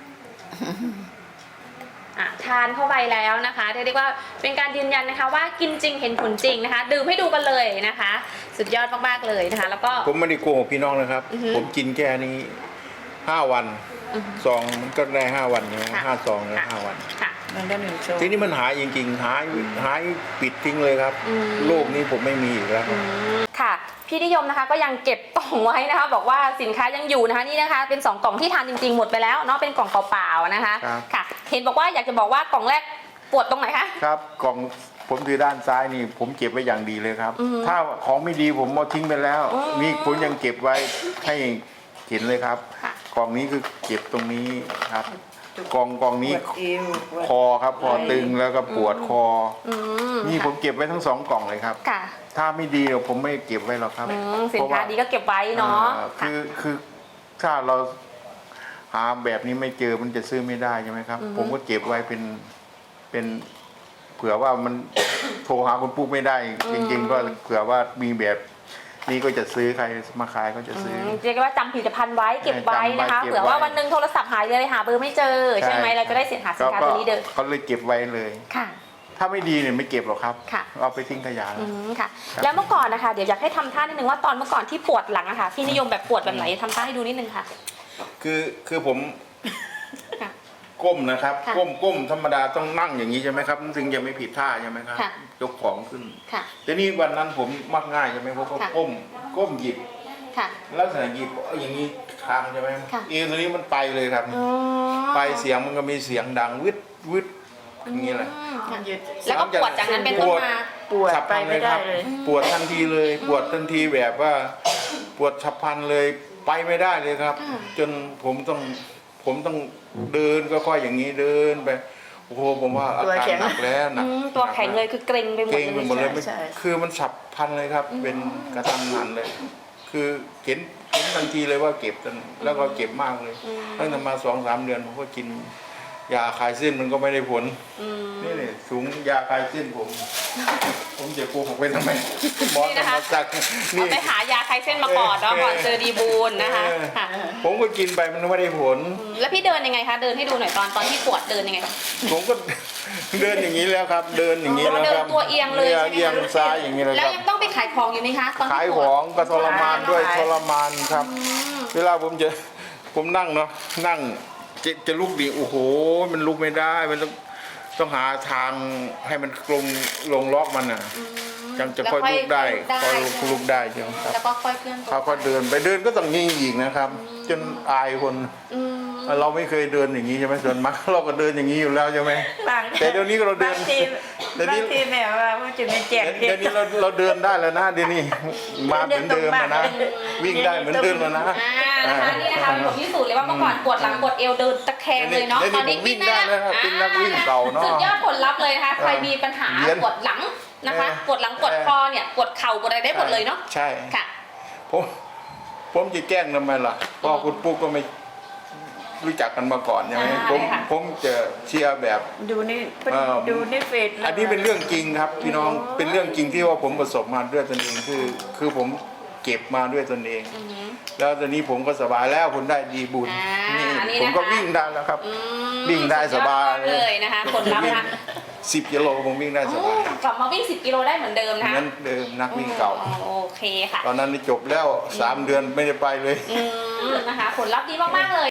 [SPEAKER 2] อ่ะทานเข้าไปแล้วนะคะเรียกว่าเป็นการยืนยันนะคะ ว่ากินจริงเห็นผลจริงนะคะ ดื่มให้ดูกันเลยนะคะ สุดยอดมากๆเลยนะคะ แล้วก็
[SPEAKER 3] ผมไม่ได้โกหกพี่น้องนะครับ
[SPEAKER 2] อือฮึ
[SPEAKER 3] ผมกินแค่นี้ห้าวัน
[SPEAKER 2] อือฮึ
[SPEAKER 3] ซองมันก็ได้ห้าวันใช่ไหม
[SPEAKER 2] ค่ะ
[SPEAKER 3] ห้าซองเลย
[SPEAKER 2] ค่ะ
[SPEAKER 3] ห้าวัน
[SPEAKER 2] ค่ะ
[SPEAKER 1] มันได้หนึ่งโชว์
[SPEAKER 3] ทีนี้มันหายจริงๆหายหายปิดทิ้งเลยครับ
[SPEAKER 2] อืม
[SPEAKER 3] โลกนี้ผมไม่มีอีกแล้ว
[SPEAKER 2] อืมค่ะพี่นิยมนะคะก็ยังเก็บกล่องไว้นะคะ บอกว่าสินค้ายังอยู่นะคะนี่นะคะ เป็นสองกล่องที่ทานจริงๆหมดไปแล้วเนาะเป็นกล่องเปล่าๆนะคะ
[SPEAKER 3] ครับ
[SPEAKER 2] ค่ะ เห็นบอกว่าอยากจะบอกว่ากล่องแรกปวดตรงไหนคะ
[SPEAKER 3] ครับกล่องผมถือด้านซ้ายนี่ ผมเก็บไว้อย่างดีเลยครับ
[SPEAKER 2] อือฮึ
[SPEAKER 3] ถ้าของไม่ดีผมเอาทิ้งไปแล้ว
[SPEAKER 2] อืม
[SPEAKER 3] นี่ผมยังเก็บไว้ให้เห็นเลยครับ
[SPEAKER 2] ค่ะ
[SPEAKER 3] กล่องนี้คือเก็บตรงนี้ครับกล่องกล่องนี้
[SPEAKER 1] ปวดเอวปวด
[SPEAKER 3] คอครับคอตึงแล้วก็ปวดคอ
[SPEAKER 2] อืม
[SPEAKER 3] นี่ผม
[SPEAKER 2] ค่ะ
[SPEAKER 3] เก็บไว้ทั้งสองกล่องเลยครับ
[SPEAKER 2] ค่ะ
[SPEAKER 3] ถ้าไม่ดีเดี๋ยวผมไม่เก็บไว้หรอกครับ
[SPEAKER 2] อืมสิน
[SPEAKER 3] เพระ
[SPEAKER 2] ค้า
[SPEAKER 3] ว่
[SPEAKER 2] ดีก็เก็บไว้เนาะ
[SPEAKER 3] อ่า
[SPEAKER 2] ค่ะ
[SPEAKER 3] คือคือถ้าเราหาแบบนี้ไม่เจอมันจะซื้อไม่ได้ใช่ไหมครับ
[SPEAKER 2] อือฮึ
[SPEAKER 3] ผมก็เก็บไว้เป็นเป็นเผื่อว่ามัน โทรหาคุณปุ๊กไม่ได้ จริง ๆ ก็เผื่อว่ามีแบบนี้ก็จะซื้อใครมาขายก็จะซื้อ
[SPEAKER 2] อืมเรียกได้ว่าจำผลิตภัณฑ์ไว้เก็บไว้นะคะ
[SPEAKER 3] จำไว้เก็บไว้
[SPEAKER 2] เผื่อว่าวันหนึ่งโทรศัพท์หายเลยหาเบอร์ไม่เจอใช่ไหมเราจะได้เสียหาสินค้าตัวนี้เดิม
[SPEAKER 3] ก็เลยเก็บไว้เลย
[SPEAKER 2] ค่ะ
[SPEAKER 3] ถ้าไม่ดีเนี่ยไม่เก็บหรอกครับ
[SPEAKER 2] ค่ะ
[SPEAKER 3] เอาไปทิ้งขยะ
[SPEAKER 2] อืมค่ะ
[SPEAKER 3] ครับ
[SPEAKER 2] แล้วเมื่อก่อนนะคะเดี๋ยวอยากให้ทำท่านิดนึงว่าตอนเมื่อก่อนที่ปวดหลังอะค่ะพี่นิยมแบบปวดแบบไหนทำท่าให้ดูนิดนึงค่ะ
[SPEAKER 3] คือคือผม
[SPEAKER 2] ค่ะ
[SPEAKER 3] ก้มนะครับ
[SPEAKER 2] ค่ะ
[SPEAKER 3] ก้มก้มธรรมดาต้องนั่งอย่างนี้ใช่ไหมครับถึงจะไม่ผิดท่าใช่ไหมครับ
[SPEAKER 2] ค่ะ
[SPEAKER 3] ยกของขึ้น
[SPEAKER 2] ค่ะ
[SPEAKER 3] แต่นี่วันนั้นผมมักง่ายใช่ไหมเพราะเขา
[SPEAKER 2] ค่ะ
[SPEAKER 3] ก้มก้มหยิบ
[SPEAKER 2] ค่ะ
[SPEAKER 3] ลักษณะหยิบเอาอย่างนี้ทางใช่ไหม
[SPEAKER 2] ค่ะ
[SPEAKER 3] เอวตัวนี้มันไปเลยครับ
[SPEAKER 2] อ๋อ
[SPEAKER 3] ไปเสียงมันก็มีเสียงดังวึดวึดอย่างนี้แหละ
[SPEAKER 2] อืมค่ะ
[SPEAKER 1] หยุด
[SPEAKER 2] แล้วก็ปวดจากนั้นเป็นต้นมา
[SPEAKER 1] ปวด
[SPEAKER 3] ฉับพ
[SPEAKER 1] ไป
[SPEAKER 3] ลัน
[SPEAKER 1] ไม่ได้เลย
[SPEAKER 3] ปวดทันทีเลย ปวดทันทีแบบว่า ปวดฉับพลันเลยไปไม่ได้เลยครับ
[SPEAKER 2] ค่ะ
[SPEAKER 3] จนผมต้องผมต้องเดินก็ค่อยอย่างนี้เดินไปโอ้โหผมว่าอาการหนักแล้วหนั
[SPEAKER 2] อื
[SPEAKER 3] ก
[SPEAKER 2] มตัวแข็งเลยคือเกร็งไปหมด
[SPEAKER 3] เก่ง
[SPEAKER 2] เล
[SPEAKER 3] ไป
[SPEAKER 2] ย
[SPEAKER 3] หมดเลยไม่
[SPEAKER 1] ใช่ใช่
[SPEAKER 3] คือมันฉับพลันเลยครับ เป็นกระทันหันเลย คือเห็นเห็นทันทีเลยว่าเก็บกันแล้วก็เก็บมากเลย
[SPEAKER 2] อืม
[SPEAKER 3] ตั้งแต่มาสองสามเดือนผมก็กินยาคลายเส้นมันก็ไม่ได้ผล
[SPEAKER 2] อืม
[SPEAKER 3] นี่นี่สูงยาคลายเส้นผม ผมจะโกหกไปทำไมหมอ
[SPEAKER 2] นี่
[SPEAKER 3] ธร
[SPEAKER 2] นะคะ
[SPEAKER 3] รมจักร
[SPEAKER 2] เอา
[SPEAKER 3] นี่
[SPEAKER 2] ไปหายาคลายเส้นมาก่อนเนาะ
[SPEAKER 3] เออ
[SPEAKER 2] ก่อนเจอดีบูลนะคะ
[SPEAKER 3] เออ
[SPEAKER 2] ค่ะ
[SPEAKER 3] ผมก็กินไปมันไม่ได้ผล
[SPEAKER 2] อืมแล้วพี่เดินยังไงคะเดินให้ดูหน่อยตอนตอนที่ปวดเดินยังไงคะ
[SPEAKER 3] ผมก็ เดินอย่างนี้แล้วครับ เดินอย่างนี้แล้ว
[SPEAKER 2] เดิ
[SPEAKER 3] คน รับ
[SPEAKER 2] ตัวเอียงเลยใช่ไหมคะ
[SPEAKER 3] เอียงซ้ายอย่างนี้เลย
[SPEAKER 2] แล้
[SPEAKER 3] คว รับ
[SPEAKER 2] ยังต้องไปขายของอยู่ไหมคะตอนที่
[SPEAKER 3] ขาย
[SPEAKER 2] ป
[SPEAKER 3] ข
[SPEAKER 2] วด
[SPEAKER 3] องก็ทรมานด้วย
[SPEAKER 1] ขาย
[SPEAKER 3] ทรมานครับ
[SPEAKER 2] อืม
[SPEAKER 3] เวลาผมจะผมนั่งเนาะนั่งจะจะลุกดิโอ้โห มันลุกไม่ได้มันต้องต้องหาทางให้มันลงลงล็อกมันอ่ะ
[SPEAKER 2] อืม
[SPEAKER 3] จังจะค่อยลุกได้
[SPEAKER 2] แล้ว
[SPEAKER 3] ค่อย
[SPEAKER 2] ใช่
[SPEAKER 3] ลุกได้ใช่ไหมครับ
[SPEAKER 2] แล้วก็ค่อยเคลื่อนตัว
[SPEAKER 3] เขาก็เดินไปเดินก็ต้องยิงอีกนะครับ จนอายคน
[SPEAKER 2] อืม
[SPEAKER 3] เราไม่เคยเดินอย่างนี้ใช่ไหมส่วนมากเราก็เดินอย่างนี้อยู่แล้วใช่ไหม
[SPEAKER 1] บาง
[SPEAKER 3] แต่เดี๋ยวนี้เราเดิน
[SPEAKER 1] บางที
[SPEAKER 3] เดี๋ยวนี้
[SPEAKER 1] บางทีแม่ว่ามันจะไม่แจก
[SPEAKER 3] เดี๋ยวนี้เราเราเดินได้แล้วนะเดี๋ยวนี้มาเหมือนเดิมแล้วนะวิ่งได้เหมือนเดิมแล้วนะ
[SPEAKER 2] อ่านะคะนี่นะคะเป็นบทพิสูจน์เลยว่าเมื่อก่อนปวดหลังปวดเอวเดินตะแคงเลยเนาะ
[SPEAKER 3] เดี๋ยวนี้
[SPEAKER 2] ตอนนี้
[SPEAKER 3] ผมวิ่งได้แล้วครับเป็นนักวิ่งเก่าเนอะ
[SPEAKER 2] สุดยอดผลลัพธ์เลยนะคะใครมีปัญหา
[SPEAKER 3] เรียน
[SPEAKER 2] ปวดหลังนะคะ
[SPEAKER 3] เออ
[SPEAKER 2] ปวดหลังปวด
[SPEAKER 3] เออ
[SPEAKER 2] คอเนี่ยปวดเข่าปวดอะไรได้หมดเลยเนาะ
[SPEAKER 3] ใช่
[SPEAKER 2] ค่ะ
[SPEAKER 3] ผมผมจะแกล้งทำไมล่ะเพราะคุณปุ๊กก็ไม่รู้จักกันมาก่อนใช่ไหม
[SPEAKER 2] อ่า
[SPEAKER 3] ผม
[SPEAKER 2] ค่ะ
[SPEAKER 3] ผมจะเชียร์แบบ
[SPEAKER 1] ดูนี่
[SPEAKER 3] เอ่อ
[SPEAKER 1] ดูนี่เฟซ
[SPEAKER 3] อันนี้เป็นเรื่องจริงครับ พี่น้องเป็นเรื่องจริงที่ว่าผมประสบมาด้วยตนเองคือ คือผมเก็บมาด้วยตนเอง
[SPEAKER 2] อือหือ
[SPEAKER 3] แล้วตอนนี้ผมก็สบายแล้วผมได้ดีบุญ
[SPEAKER 2] อ่า
[SPEAKER 3] นี่
[SPEAKER 2] นี่
[SPEAKER 3] ผมก็
[SPEAKER 2] นะคะ
[SPEAKER 3] วิ่งได้แล้วครับ
[SPEAKER 2] อืม
[SPEAKER 3] วิ่งได้สบาย
[SPEAKER 2] สุดอดเลยนะคะผลลัพธ์นะคะ
[SPEAKER 3] สิบกิโลผมวิ่งได้ส
[SPEAKER 2] โอ้
[SPEAKER 3] บาย
[SPEAKER 2] กลับมาวิ่งสิบกิโลได้เหมือนเดิมนะคะ
[SPEAKER 3] นั้นเดิมนักวิ่งเก่า
[SPEAKER 2] อืมโอเคค่ะ
[SPEAKER 3] ตอนนั้นนี่จบแล้วสามเดือนไม่ได้ไปเลย
[SPEAKER 2] อืมนะคะผลลัพธ์ดีมากๆเลย